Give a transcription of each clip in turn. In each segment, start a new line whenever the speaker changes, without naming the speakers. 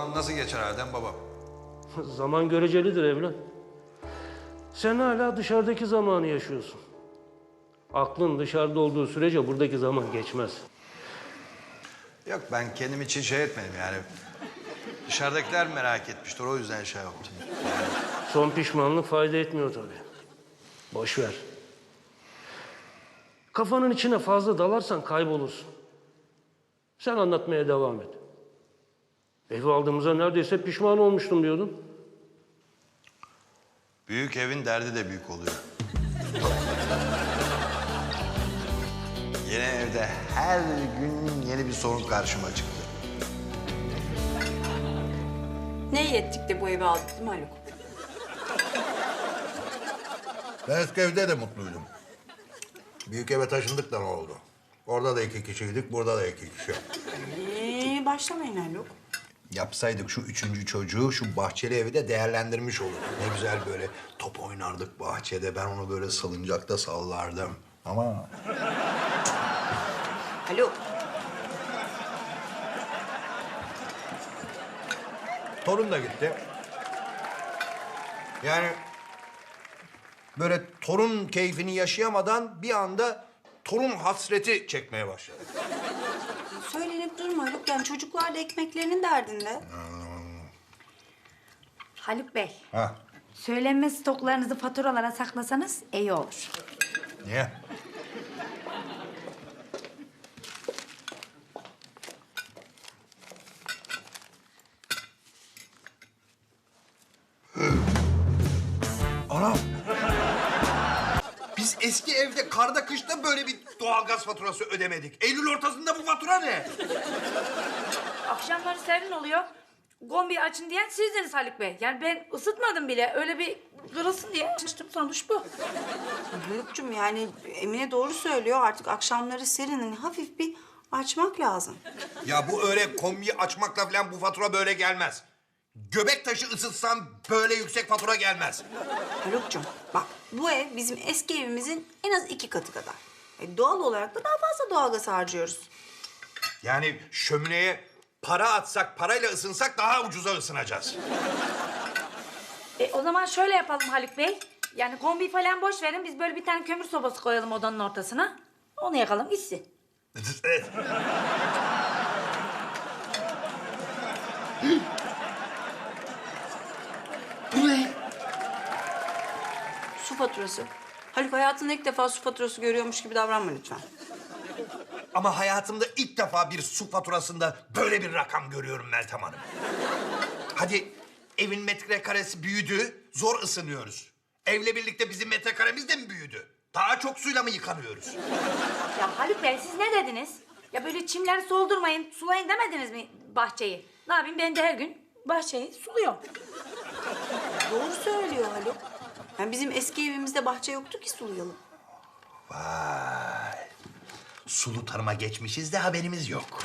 zaman nasıl geçer Adem babam?
Zaman görecelidir evlat. Sen hala dışarıdaki zamanı yaşıyorsun. Aklın dışarıda olduğu sürece buradaki zaman geçmez.
Yok ben kendim için şey etmedim yani. Dışarıdakiler merak etmiştir o yüzden şey yaptım.
Son pişmanlık fayda etmiyor tabii. Boş ver. Kafanın içine fazla dalarsan kaybolursun. Sen anlatmaya devam et. Evi aldığımıza neredeyse pişman olmuştum diyordun.
Büyük evin derdi de büyük oluyor. Yeni evde her gün yeni bir sorun karşıma çıktı.
Ne iyi ettik de bu evi aldık değil mi Haluk?
Ben eski evde de mutluydum. Büyük eve taşındık da ne oldu? Orada da 2 kişiydik, burada da 2 kişi.
Başlamayın Haluk.
Yapsaydık şu 3. çocuğu şu bahçeli evi de değerlendirmiş olurduk. Ne güzel böyle top oynardık bahçede. Ben onu böyle salıncakta sallardım. Ama
Haluk.
torun da gitti. Yani böyle torun keyfini yaşayamadan bir anda torun hasreti çekmeye başladı.
Söylenip durma Haluk. Yani çocuklar da ekmeklerinin derdinde.
Haluk Bey,
Ha,
söylenme stoklarınızı faturalara saklasanız iyi olur.
niye? Anam! Biz eski evde karda kışta böyle bir doğalgaz faturası ödemedik. Eylül ortasında bu fatura ne?
Akşamları serin oluyor. Kombi açın diyen sizdiniz Haluk Bey. Yani ben ısıtmadım bile. Öyle bir kırılsın diye açtım, sonuç bu.
Haluk'cum yani Emine doğru söylüyor. Artık akşamları serin. Hani hafif bir açmak lazım.
Ya bu öyle kombiyi açmakla falan bu fatura böyle gelmez. Göbek taşı ısıtsam böyle yüksek fatura gelmez.
Haluk'cum bak bu ev bizim eski evimizin en az 2 katı kadar. Doğal olarak da daha fazla doğalgaz harcıyoruz.
Yani şömineye para atsak, parayla ısınsak daha ucuza ısınacağız.
O zaman şöyle yapalım Haluk Bey. Yani kombi falan boş verin. Biz böyle bir tane kömür sobası koyalım odanın ortasına. Onu yakalım gitsin.
Evet.
Bu ne? Su faturası. Haluk hayatında ilk defa su faturası görüyormuş gibi davranma lütfen.
Ama hayatımda ilk defa bir su faturasında böyle bir rakam görüyorum Meltem Hanım. Hadi evin metrekaresi büyüdü, zor ısınıyoruz. Evle birlikte bizim metrekaremiz de mi büyüdü? Daha çok suyla mı yıkanıyoruz?
Ya Haluk Bey siz ne dediniz? Ya böyle çimleri soldurmayın, sulayın demediniz mi bahçeyi? Ne yapayım ben de her gün bahçeyi suluyorum.
Doğru söylüyor Haluk. Yani bizim eski evimizde bahçe yoktu ki sulayalım.
Vay. Sulu tarıma geçmişiz de haberimiz yok.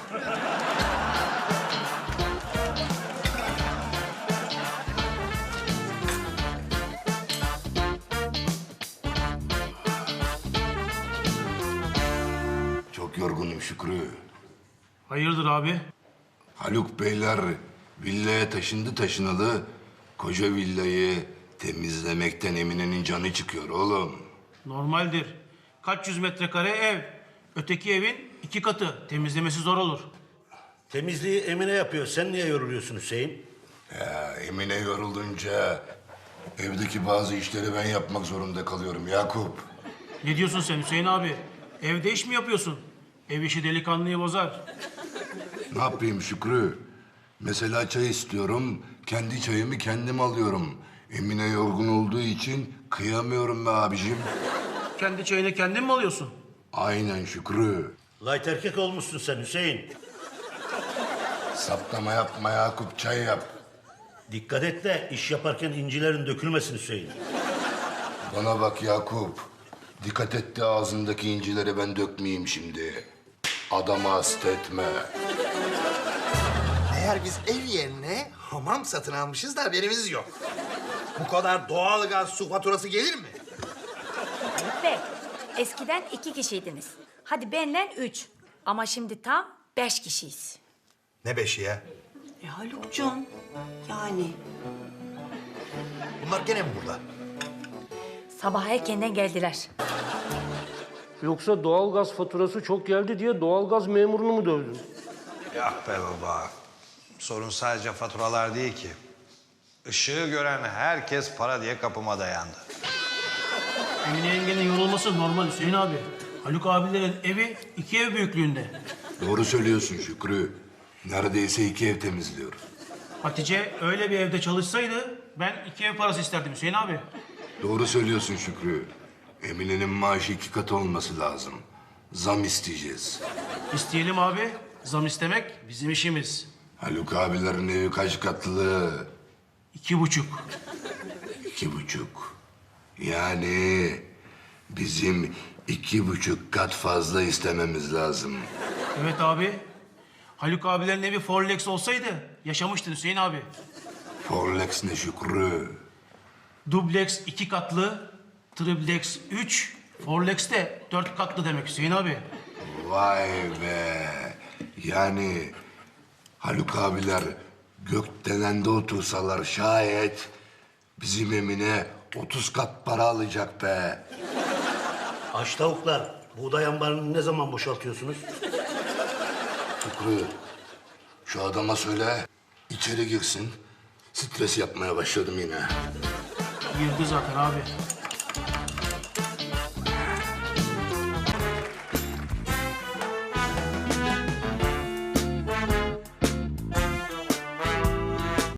Çok yorgunum Şükrü.
Hayırdır abi?
Haluk Beyler villaya taşındı taşınalı. Koca villayı temizlemekten Emine'nin canı çıkıyor oğlum.
Normaldir. Kaç yüz metrekare ev. Öteki evin 2 katı. Temizlemesi zor olur.
Temizliği Emine yapıyor. Sen niye yoruluyorsun Hüseyin?
Ya Emine yorulunca evdeki bazı işleri ben yapmak zorunda kalıyorum Yakup.
Ne diyorsun sen Hüseyin abi? Evde iş mi yapıyorsun? Ev işi delikanlıyı bozar.
Ne yapayım Şükrü? Mesela çay istiyorum, kendi çayımı kendim alıyorum. Emine yorgun olduğu için kıyamıyorum be abicim.
Kendi çayını kendin mi alıyorsun?
Aynen Şükrü.
Light erkek olmuşsun sen Hüseyin.
Saplama yapma Yakup, çay yap.
Dikkat et de iş yaparken incilerin dökülmesin Hüseyin.
Bana bak Yakup. Dikkat et de ağzındaki incileri ben dökmeyeyim şimdi. Adamı hasta etme.
Eğer biz ev yerine hamam satın almışız da haberimiz yok. Bu kadar doğalgaz su faturası gelir mi?
Haluk Bey, eskiden 2 kişiydiniz. Hadi benle 3. Ama şimdi tam 5 kişiyiz.
Ne beşi ya?
Haluk'cum yani.
Bunlar gene mi burada?
Sabah erkenden geldiler.
Yoksa doğalgaz faturası çok geldi diye doğalgaz memurunu mu dövdün?
Yok be baba. Sorun sadece faturalar değil ki. Işığı gören herkes para diye kapıma dayandı.
Emine yengenin yorulması normal Hüseyin abi. Haluk abilerin evi 2 ev büyüklüğünde.
Doğru söylüyorsun Şükrü. Neredeyse 2 ev temizliyoruz.
Hatice öyle bir evde çalışsaydı ben 2 ev parası isterdim Hüseyin abi.
Doğru söylüyorsun Şükrü. Emine'nin maaşı 2 katı olması lazım. Zam isteyeceğiz.
İsteyelim abi. Zam istemek bizim işimiz.
Haluk abilerin evi kaç katlı?
2,5.
2,5. Yani bizim 2,5 kat fazla istememiz lazım.
Evet abi. Haluk abilerin evi Forlex olsaydı yaşamıştın Hüseyin abi.
Forlex ne Şükrü?
Dublex 2 katlı, triplex 3, Forlex de 4 katlı demek Hüseyin abi.
Vay be. Yani Haluk abiler gökdelende otursalar şayet bizim Emine 30 kat para alacak be.
Aç tavuklar, buğday ambarını ne zaman boşaltıyorsunuz?
Şükrü, şu adama söyle içeri girsin. Stres yapmaya başladım yine.
Girdi zaten abi.